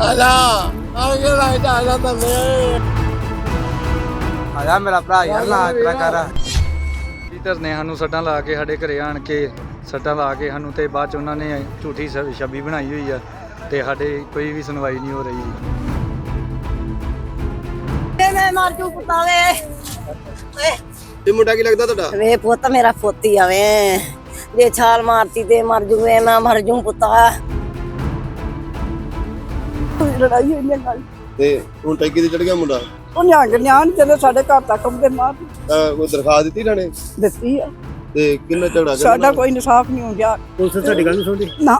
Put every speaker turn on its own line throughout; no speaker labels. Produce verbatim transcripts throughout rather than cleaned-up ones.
आजा आगे लाइट आजा तन्ने
आजा मेरा भरा यार ना इतना कर
ਧਰਨੇ ਸਾਨੂੰ ਸੱਟਾਂ ਲਾ ਕੇ ਸਾਡੇ ਘਰੇ ਆਣ ਕੇ ਸੱਟਾਂ ਲਾ ਕੇ ਸਾਨੂੰ ਤੇ ਬਾਅਦ ਚ ਉਹਨਾਂ ਨੇ ਝੂਠੀ ਸ- ਛੱਬੀ ਬਣਾਈ ਹੋਈ ਆ ਤੇ ਸਾਡੇ ਕੋਈ ਵੀ ਸੁਣਵਾਈ ਨਹੀਂ ਹੋ ਰਹੀ।
ਮੈਂ ਮਰ ਜੂ ਪੁੱਤਾ ਵੇ
ਇਹ ਮੁੰਡਾ ਕੀ ਲੱਗਦਾ ਤੁਹਾਡਾ?
ਵੇ ਪੁੱਤ ਮੇਰਾ ਪੋਤੀ ਆਵੇ ਜੇ ਛਾਲ ਮਾਰਤੀ ਤੇ ਮਰ ਜੂਵੇ ਮੈਂ ਮਰ ਜੂ ਪੁੱਤਾ। ਲੜਾਈ ਹੋਈ ਹੈ ਨਾਲ
ਤੇ ਹੁਣ ਟੈਂਕੀ ਤੇ ਚੜ ਗਿਆ ਮੁੰਡਾ।
ਉਹ ਨਿਆਣ ਨਿਆਣ ਜਦੋਂ ਸਾਡੇ ਘਰ ਤੱਕ ਉਹਦੇ ਮਾਰ
ਤਾਂ ਕੋਈ ਦਰਖਾਸਤ ਦਿੱਤੀ ਜਾਣੇ
ਦਿੱਤੀ ਆ।
ਤੇ ਕਿੰਨਾ ਝਗੜਾ ਕਰਨਾ?
ਸਾਡਾ ਕੋਈ ਇਨਸਾਫ ਨਹੀਂ ਹੋ ਗਿਆ।
ਪੁਲਿਸ ਸਾਡੀ ਗੱਲ ਨਹੀਂ ਸੁਣਦੀ
ਨਾ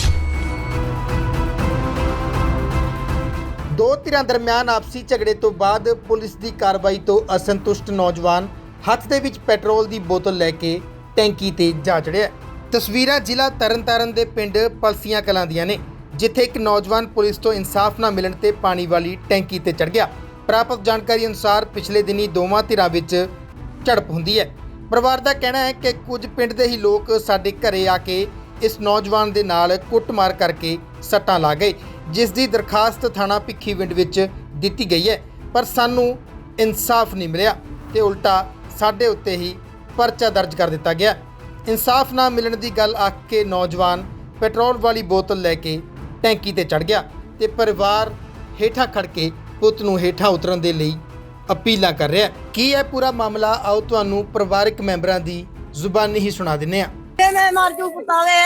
ਦੋ ਧਿਰਾਂ ਦਰਮਿਆਨ ਆਪਸੀ ਝਗੜੇ ਤੋਂ ਬਾਅਦ ਪੁਲਿਸ ਦੀ ਕਾਰਵਾਈ ਤੋਂ ਅਸੰਤੁਸ਼ਟ ਨੌਜਵਾਨ ਹੱਥ ਦੇ ਵਿੱਚ ਪੈਟਰੋਲ ਦੀ ਬੋਤਲ ਲੈ ਕੇ ਟੈਂਕੀ ਤੇ ਜਾ ਚੜਿਆ। ਤਸਵੀਰਾਂ ਜ਼ਿਲ੍ਹਾ ਤਰਨਤਾਰਨ ਦੇ ਪਿੰਡ ਪਲਸੀਆਂ ਕਲਾਂ ਦੀਆਂ ਨੇ, ਜਿੱਥੇ ਇੱਕ ਨੌਜਵਾਨ ਪੁਲਿਸ ਤੋਂ ਇਨਸਾਫ ਨਾ ਮਿਲਣ ਤੇ ਪਾਣੀ ਵਾਲੀ ਟੈਂਕੀ ਤੇ ਚੜ ਗਿਆ। ਪ੍ਰਾਪਤ ਜਾਣਕਾਰੀ ਅਨੁਸਾਰ ਪਿਛਲੇ ਦਿਨੀ ਦੋਵਾਂ ਧਿਰਾਂ ਵਿੱਚ ਝੜਪ ਹੁੰਦੀ ਹੈ। ਪਰਿਵਾਰ ਦਾ ਕਹਿਣਾ ਹੈ ਕਿ ਕੁਝ ਪਿੰਡ ਦੇ ਹੀ ਲੋਕ ਸਾਡੇ ਘਰੇ ਆ ਕੇ ਇਸ ਨੌਜਵਾਨ ਦੇ ਨਾਲ ਕੁੱਟਮਾਰ ਕਰਕੇ ਸੱਟਾਂ ਲਾ ਗਏ, ਜਿਸ ਦੀ ਦਰਖਾਸਤ ਥਾਣਾ ਭਿੱਖੀਵਿੰਡ ਵਿੱਚ ਦਿੱਤੀ ਗਈ ਹੈ, ਪਰ ਸਾਨੂੰ ਇਨਸਾਫ ਨਹੀਂ ਮਿਲਿਆ ਤੇ ਉਲਟਾ ਸਾਡੇ ਉੱਤੇ ਹੀ ਪਰਚਾ ਦਰਜ ਕਰ ਦਿੱਤਾ ਗਿਆ। ਇਨਸਾਫ ਨਾ ਮਿਲਣ ਦੀ ਗੱਲ ਆਖ ਕੇ ਨੌਜਵਾਨ ਪੈਟਰੋਲ ਵਾਲੀ ਬੋਤਲ ਲੈ ਕੇ ਟੈਂਕੀ ਤੇ ਚੜ ਗਿਆ ਤੇ ਪਰਿਵਾਰ ਹੇਠਾਂ ਖੜ ਕੇ ਪੁੱਤ ਨੂੰ ਹੇਠਾਂ ਉਤਰਨ ਦੇ ਲਈ ਅਪੀਲਾਂ ਕਰ ਰਿਹਾ। ਕੀ ਹੈ ਪੂਰਾ ਮਾਮਲਾ, ਆਓ ਤੁਹਾਨੂੰ ਪਰਿਵਾਰਕ ਮੈਂਬਰਾਂ ਦੀ ਜ਼ੁਬਾਨੀ ਹੀ ਸੁਣਾ ਦਿੰਦੇ ਹਾਂ।
ਮੈਂ ਮਰ ਜੂ ਪੁੱਤਾ ਵੇ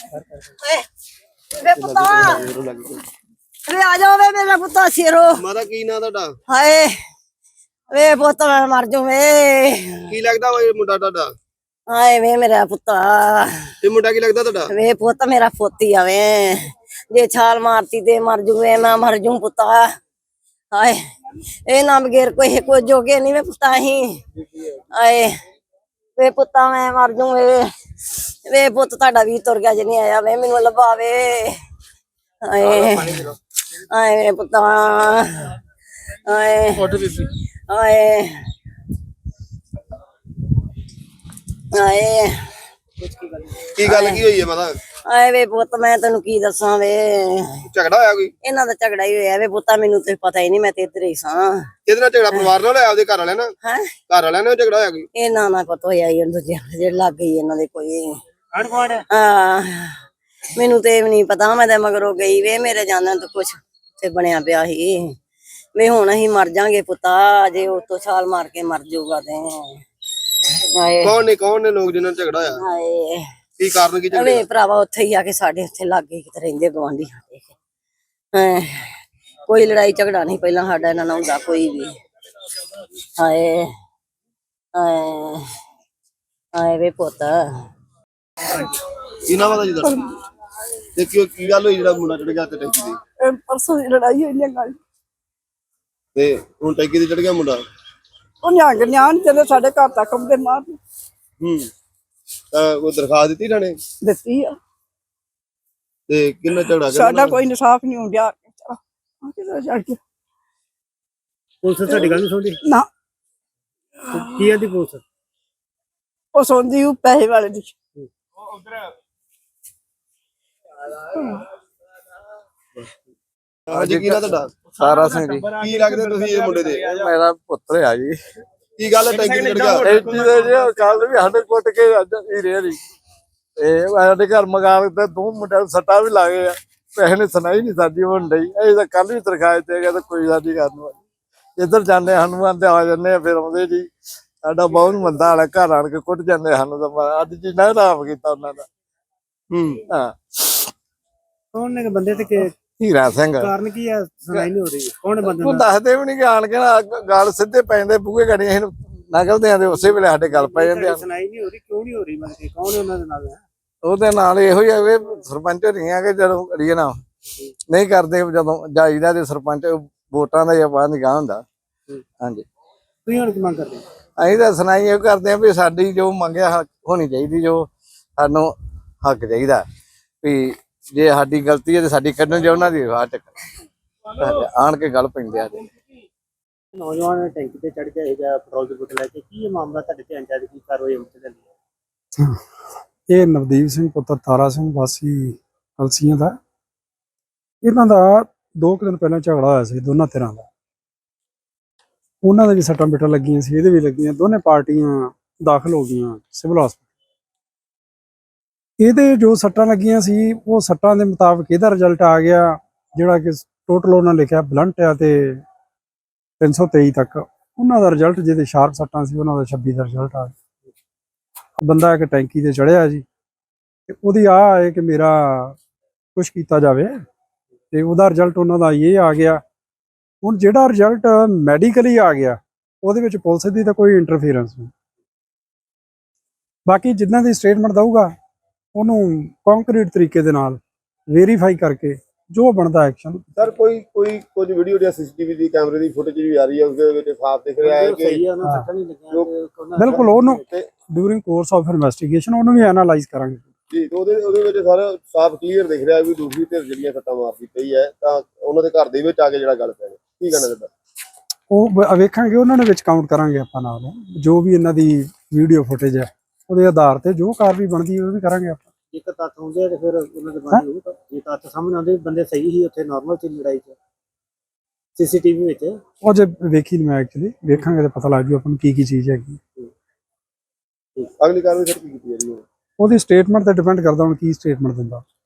ਵੇ ਪੁੱਤਾ ਵੇ ਆ ਜਾ ਵੇ ਮੇਰਾ ਪੁੱਤਾ ਸਿਰੋ।
ਮਾਤਾ ਕੀ ਨਾਂ ਤੁਹਾਡਾ?
ਹਾਏ ਵੇ ਪੁੱਤ ਮੈਂ ਮਰ ਜੂ ਵੇ।
ਕੀ ਲੱਗਦਾ ਵਾ ਇਹ ਮੁੰਡਾ ਤੁਹਾਡਾ?
ਹਾਏ ਵੇ ਮੇਰਾ ਪੁੱਤਾ
ਇਹ ਮੁੰਡਾ ਕੀ ਲੱਗਦਾ ਤੁਹਾਡਾ?
ਵੇ ਪੁੱਤ ਮੇਰਾ ਪੋਤੀ ਆਵੇ ਜੇ ਛਾਲ ਮਾਰਤੀ ਤੇ ਮਰ ਜੂਵੇ ਮੈਂ ਮਰ ਜੂ ਪੁੱਤਾ। ਹਾਏ ਇਹ ਨਾ ਬਗੈਰ ਕੋਈ ਕੋਈ ਜੋਗੇ ਨਹੀਂ ਵੇ ਪੁੱਤਾ ਹੀ। ਹਾਏ ਵੇ ਪੁੱਤਾ ਮੈਂ ਮਰ ਜੂ ਵੇ ਵੇ ਪੁੱਤ ਤੁਹਾਡਾ ਵੀ ਤੁਰ ਗਿਆ ਜੇ ਨਹੀਂ ਆਇਆ ਵੇ ਮੈਨੂੰ ਲੱਭਾਵੇ। ਹਾਏ ਹਾਏ ਵੇ ਪੁੱਤਾ ਹਾਏ ਹਾਏ ਹਾਏ
ਕੀ ਗੱਲ ਕੀ ਹੋਈ ਹੈ ਮਾਤਾ?
ਆਏ ਵੇ ਪੁੱਤ ਮੈਂ ਤੈਨੂੰ ਕੀ ਦੱਸਾਂ ਵੇ,
ਝਗੜਾ ਹੋਇਆ ਕੋਈ?
ਇਹਨਾਂ ਦਾ ਝਗੜਾ ਹੀ ਹੋਇਆ ਵੇ ਪੁੱਤਾ, ਮੈਨੂੰ ਤੇ ਪਤਾ ਹੀ ਨਹੀਂ, ਮੈਂ ਤੇ ਇੱਧਰ ਹੀ ਸਾਂ।
ਕਿਹਦੇ ਨਾਲ ਝਗੜਾ? ਪਰਿਵਾਰ ਨਾਲ ਹੋਇਆ? ਆਪਦੇ ਘਰ ਵਾਲਿਆਂ ਨਾਲ?
ਹੈ
ਘਰ ਵਾਲਿਆਂ ਨਾਲ ਝਗੜਾ ਹੋਇਆ ਕੋਈ?
ਇਹਨਾਂ ਨਾਲ ਪਤਾ ਹੋਇਆ ਹੀ ਦੂਜੇ ਜਿਹੜੇ ਲੱਗ ਗਈ ਇਹਨਾਂ ਦੇ ਕੋਈ ਹਾਂ ਮੈਨੂੰ ਤੇ ਵੀ ਨਹੀਂ ਪਤਾ, ਮੈਂ ਤੇ ਮਗਰੋਂ ਗਈ ਵੇ, ਮੇਰੇ ਜਾਨਾਂ ਤੋਂ ਕੁਛ ਤੇ ਬਣਿਆ ਪਿਆ ਸੀ ਵੇ। ਹੁਣ ਅਸੀਂ ਮਰ ਜਾਾਂਗੇ ਪੁੱਤਾ, ਜੇ ਉਤੋਂ ਛਾਲ ਮਾਰ ਕੇ ਮਰ ਜਾਊਗਾ ਤੇ। ਹਾਏ
ਕੌਣ ਨੇ ਕੌਣ ਨੇ ਲੋਕ ਜਿਨ੍ਹਾਂ ਨਾਲ ਝਗੜਾ ਹੋਇਆ?
ਹਾਏ
ਕੀ ਕਾਰਨ ਕੀ ਝਗੜੇ?
ਵੇ ਭਰਾਵਾ ਉੱਥੇ ਹੀ ਆ ਕੇ ਸਾਡੇ ਉੱਥੇ ਲਾਗੇ ਕਿਤੇ ਰਹਿੰਦੇ ਗਵਾਂਢੀ ਸਾਡੇ। ਹਾਂ ਕੋਈ ਲੜਾਈ ਝਗੜਾ ਨਹੀਂ ਪਹਿਲਾਂ ਸਾਡਾ ਇਹਨਾਂ ਨਾਲ ਹੁੰਦਾ ਕੋਈ ਵੀ। ਹਾਏ ਹਾਏ ਹਾਏ ਵੇ ਪੁੱਤ
ਕੀ ਨਾਮ ਆਦਾ ਜੀ ਤੁਹਾਡਾ? ਤੇ ਕੀ ਕੀ ਗੱਲ ਹੋਈ ਜਿਹੜਾ ਮੁੰਡਾ ਚੜ ਗਿਆ ਤੇ ਟੈਂਕੀ ਤੇ?
ਪਰਸੋਂ ਦੀ ਲੜਾਈ ਹੋਈ ਹੈ ਗੱਲ।
ਤੇ ਹੁਣ ਟੈਂਕੀ ਤੇ ਚੜ ਗਿਆ ਮੁੰਡਾ।
ਉਹ ਨਿਆਣ ਨਿਆਣ ਜਦੋਂ ਸਾਡੇ ਘਰ ਤੱਕ ਉਹਦੇ ਮਾਰ
ਹੂੰ ਤਾਂ ਕੋਈ ਦਰਖਾਸਤ ਦਿੱਤੀ ਜਾਣੇ?
ਦਿੱਤੀ ਆ।
ਤੇ ਕਿੰਨਾ ਝਗੜਾ ਕਰਨਾ?
ਸਾਡਾ ਕੋਈ ਇਨਸਾਫ ਨਹੀਂ ਹੋ ਗਿਆ। ਚੜ ਗਿਆ
ਪੁਲਿਸ ਸਾਡੀ ਗੱਲ ਨਹੀਂ ਸੁਣਦੀ
ਨਾ
ਕੀ ਆਂਦੀ ਪੁਲਿਸ?
ਉਹ ਸੌਂਦੀ ਉਹ ਪੈਸੇ ਵਾਲੇ ਦੀ।
ਹਾਂਜੀ ਕੀ ਨਾ ਤੁਹਾਡਾ?
ਸਾਰਾ ਸਿੰਘ ਜੀ
ਕੀ ਲੱਗਦੇ ਤੁਸੀਂ ਇਹ ਮੁੰਡੇ ਦੇ?
ਮੇਰਾ ਪੁੱਤਰ ਆ ਜੀ।
ਕੀ ਗੱਲ ਹੈ ਟੈਂਕੀ ਤੇ ਚੜ ਗਿਆ?
ਟੈਂਕੀ ਦੇ ਜੀ ਕੱਲ ਵੀ ਸਾਡੇ ਕੁੱਟ ਕੇ ਅੱਜ ਹੀ ਰਿਹਾ ਜੀ। ਇਹ ਸਾਡੇ ਘਰ ਮਗਾ ਤੇ ਦੋ ਮੁੰਡਿਆਂ ਨੂੰ ਸੱਟਾਂ ਵੀ ਲਾ ਗਏ ਆ, ਪੈਸੇ ਨੇ ਸੁਣਾਈ ਨਹੀਂ ਸਾਡੀ ਹੁਣ ਡਈ। ਇਹ ਤਾਂ ਕੱਲ ਵੀ ਤਰਖਾਇ ਤੇ ਗਿਆ ਤਾਂ ਕੋਈ ਸਾਡੀ ਕਰਨ ਵਾਲੀ। ਇੱਧਰ ਜਾਂਦੇ ਹਨੂੰਮਾਨ ਤੇ ਆ ਜਾਂਦੇ ਆ, ਫਿਰ ਆਉਂਦੇ ਜੀ ਸਾਡਾ ਬਹੁਤ ਮੰਦਾ ਹਾਲ, ਘਰ ਆਣ ਕੇ ਕੁੱਟ ਜਾਂਦੇ ਸਾਨੂੰ। ਤਾਂ ਅੱਜ ਜੀ ਨਾ ਆਰਾਮ ਕੀਤਾ ਉਹਨਾਂ ਦਾ।
ਹੂੰ
ਹਾਂ
ਕੌਣ ਨੇ ਬੰਦੇ ਤੇ ਕਿ
ਹੀਰਾ ਸਿੰਘ
ਕਾਰਨ ਕੀ ਆ ਸੁਣਾਈ ਨਹੀਂ ਹੋ ਰਹੀ? ਕੌਣ ਬੰਦੇ
ਉਹ ਦੱਸਦੇ ਵੀ ਨਹੀਂ ਕਿ ਆਣ ਕੇ ਨਾ ਗੱਲ ਸਿੱਧੇ ਪੈਂਦੇ ਬੂਹੇ ਗੜੀਆਂ ਇਹਨੂੰ ਨਗਲਦੇ ਆ ਤੇ ਉਸੇ ਵੇਲੇ ਸਾਡੇ ਗੱਲ ਪੈ ਜਾਂਦੇ ਆ।
ਸੁਣਾਈ ਨਹੀਂ ਹੋ ਰਹੀ ਕਿਉਂ ਨਹੀਂ ਹੋ ਰਹੀ? ਮਤਲਬ ਕੌਣ ਹੈ ਉਹਨਾਂ ਦੇ ਨਾਲ?
ਉਹਦੇ ਨਾਲ ਇਹੋ ਹੀ ਆ ਵੀ ਸਰਪੰਚ ਹੋਣੀਆਂ ਕਿ ਜਦੋਂ ਅੜੀਏ ਨਾ ਨਹੀਂ ਕਰਦੇ, ਜਦੋਂ ਜਾਈਦਾ ਤੇ ਸਰਪੰਚ ਵੋਟਾਂ ਦਾ ਜਾਂ ਬਾਹਰ ਨਿਗਾਹ ਹੁੰਦਾ। ਹਾਂਜੀ
ਤੁਸੀਂ ਹੁਣ ਕੀ ਮੰਗ ਕਰਦੇ?
ਅਸੀਂ ਤਾਂ ਸੁਣਾਈ ਇਹ ਕਰਦੇ ਆ ਵੀ ਸਾਡੀ ਜੋ ਮੰਗਿਆ ਹੋਣੀ ਚਾਹੀਦੀ, ਜੋ ਸਾਨੂੰ ਹੱਕ ਚਾਹੀਦਾ ਵੀ ਜੇ ਸਾਡੀ ਗਲਤੀ ਹੈ ਤੇ ਸਾਡੀ ਕੱਢਣ ਜੇ ਉਹਨਾਂ ਦੀ ਵਾਹ ਚੱਕ ਆਣ ਕੇ ਗੱਲ ਪੈਂਦੇ ਆ।
ਨੌਜਵਾਨ ਟੈਂਕੀ ਤੇ ਚੜ ਗਿਆ ਜਾਂ ਪੈਟਰੋਲ ਦੀ ਬੋਤਲ ਲੈ ਕੇ, ਕੀ ਇਹ ਮਾਮਲਾ ਤੁਹਾਡੇ ਧਿਆਨ ਚ ਆਇਆ? ਕੀ ਕਾਰਵਾਈ ਹੁੰਦੀ ਹੈ?
ਇਹ ਨਵਦੀਪ ਸਿੰਘ ਪੁੱਤਰ ਤਾਰਾ ਸਿੰਘ ਵਾਸੀ ਕਲਸੀਆਂ ਦਾ। ਇਹਨਾਂ ਦਾ ਦੋ ਕੁ ਦਿਨ ਪਹਿਲਾਂ ਝਗੜਾ ਹੋਇਆ ਸੀ ਦੋਨਾਂ ਧਿਰਾਂ ਦਾ। ਉਹਨਾਂ ਦੇ ਵੀ ਸੱਟਾਂ ਪਿੱਟਾਂ ਲੱਗੀਆਂ ਸੀ, ਇਹਦੇ ਵੀ ਲੱਗੀਆਂ। ਦੋਨੇ ਪਾਰਟੀਆਂ ਦਾਖਲ ਹੋ ਗਈਆਂ ਸਿਵਲ ਹਸਪਤਾਲ। ਇਹਦੇ ਜੋ ਸੱਟਾਂ ਲੱਗੀਆਂ ਸੀ ਉਹ ਸੱਟਾਂ ਦੇ ਮੁਤਾਬਕ ਇਹਦਾ ਰਿਜ਼ਲਟ ਆ ਗਿਆ, ਜਿਹੜਾ ਕਿ ਟੋਟਲ ਉਹਨਾਂ ਲਿਖਿਆ ਬਲੰਟ ਆ ਤੇ ਤਿੰਨ ਸੌ ਤੇਈ ਤੱਕ। ਉਹਨਾਂ ਦਾ ਰਿਜ਼ਲਟ ਜਿਹਦੇ ਸ਼ਾਰਪ ਸੱਟਾਂ ਸੀ ਉਹਨਾਂ ਦਾ ਛੱਬੀ ਦਾ ਰਿਜ਼ਲਟ ਆ ਗਿਆ। ਬੰਦਾ ਇੱਕ ਟੈਂਕੀ ਤੇ ਚੜਿਆ ਜੀ, ਤੇ ਉਹਦੀ ਆ ਹੈ ਕਿ ਮੇਰਾ ਕੁਛ ਕੀਤਾ ਜਾਵੇ, ਤੇ ਉਹਦਾ ਰਿਜ਼ਲਟ ਉਹਨਾਂ ਦਾ ਇਹ ਆ ਗਿਆ। ਹੁਣ ਜਿਹੜਾ ਰਿਜ਼ਲਟ ਮੈਡੀਕਲੀ ਆ ਗਿਆ ਉਹਦੇ ਵਿੱਚ ਪੁਲਿਸ ਦੀ ਤਾਂ ਕੋਈ ਇੰਟਰਫੀਅਰੈਂਸ ਨਹੀਂ। ਬਾਕੀ ਜਿੱਦਾਂ ਦੀ ਸਟੇਟਮੈਂਟ ਦਊਗਾ ਉਹਨੂੰ ਕੰਕਰੀਟ ਤਰੀਕੇ ਦੇ ਨਾਲ ਵੈਰੀਫਾਈ ਕਰਕੇ ਜੋ ਬਣਦਾ ਐਕਸ਼ਨ।
ਸਰ ਕੋਈ ਕੋਈ ਕੁਝ ਵੀਡੀਓ ਜਾਂ ਸੀਸੀਟੀਵੀ ਦੀ ਕੈਮਰੇ ਦੀ ਫੁਟੇਜ ਵੀ ਆ ਰਹੀ ਹੈ, ਉਹਦੇ ਵਿੱਚ ਸਾਫ਼ ਦਿਖ ਰਿਹਾ ਹੈ ਕਿ
ਸਹੀ ਹੈ, ਉਹਨਾਂ ਸੱਟਾਂ ਨਹੀਂ ਲੱਗੀਆਂ ਤੇ ਉਹਨਾਂ
ਬਿਲਕੁਲ ਉਹਨੂੰ ਡਿਊਰਿੰਗ ਕੋਰਸ ਆਫ ਇਨਵੈਸਟੀਗੇਸ਼ਨ ਉਹਨੂੰ ਵੀ ਐਨਾਲਾਈਜ਼ ਕਰਾਂਗੇ
ਜੀ। ਤੇ ਉਹਦੇ ਉਹਦੇ ਵਿੱਚ ਸਰ ਸਾਫ਼ ਕਲੀਅਰ ਦਿਖ ਰਿਹਾ ਵੀ ਦੂਸਰੀ ਧਿਰ ਜਿਹੜੀਆਂ ਸੱਟਾਂ ਮਾਰਦੀ ਪਈ ਹੈ, ਤਾਂ ਉਹਨਾਂ ਦੇ ਘਰ ਦੇ ਵਿੱਚ ਆ ਕੇ ਜਿਹੜਾ ਗੱਲ ਪੈ ਕੀ ਕਹਿਣਾ ਚਾਹੁੰਦਾ?
ਉਹ ਵ- ਵੇਖਾਂਗੇ, ਉਹਨਾਂ ਦੇ ਵਿੱਚ ਕਾਊਂਟ ਕਰਾਂਗੇ ਆਪਾਂ ਨਾਲ ਜੋ ਵੀ ਇਹਨਾਂ ਦੀ ਵੀਡੀਓ ਫੁਟੇਜ ਹੈ ਉਹਦੇ ਆਧਾਰ ਤੇ ਜੋ ਕਾਰਵਾਈ ਬਣਦੀ ਉਹ ਵੀ ਕਰਾਂਗੇ ਆਪਾਂ।
ਇੱਕ ਤੱਥ ਹੁੰਦੇ ਆ ਤੇ ਫਿਰ ਉਹਨਾਂ ਦੇ ਬਾਰੇ ਹੋਊਗਾ। ਜੇ ਤੱਥ ਸਾਹਮਣੇ ਆਉਂਦੇ ਬੰਦੇ ਸਹੀ ਹੀ ਉੱਥੇ ਨਾਰਮਲ ਸੀ ਲੜਾਈ 'ਚ ਸੀਸੀਟੀਵੀ ਵਿੱਚ।
ਉਹ ਜੇ ਵੇਖੀ ਨਹੀਂ ਮੈਂ ਐਕਚੁਅਲੀ, ਵੇਖਾਂਗੇ ਤੇ ਪਤਾ ਲੱਗ ਜੂ ਆਪਾਂ ਨੂੰ ਕੀ ਕੀ ਚੀਜ਼ ਹੈਗੀ।
ਅਗਲੀ ਕਾਰਵਾਈ ਸਰ ਕੀ ਕੀਤੀ ਜਾ ਰਹੀ ਹੈ?
ਉਹਦੀ ਸਟੇਟਮੈਂਟ ਤੇ ਡਿਪੈਂਡ ਕਰਦਾ ਹੁਣ ਕੀ ਸਟੇਟਮੈਂਟ ਦਿੰਦਾ।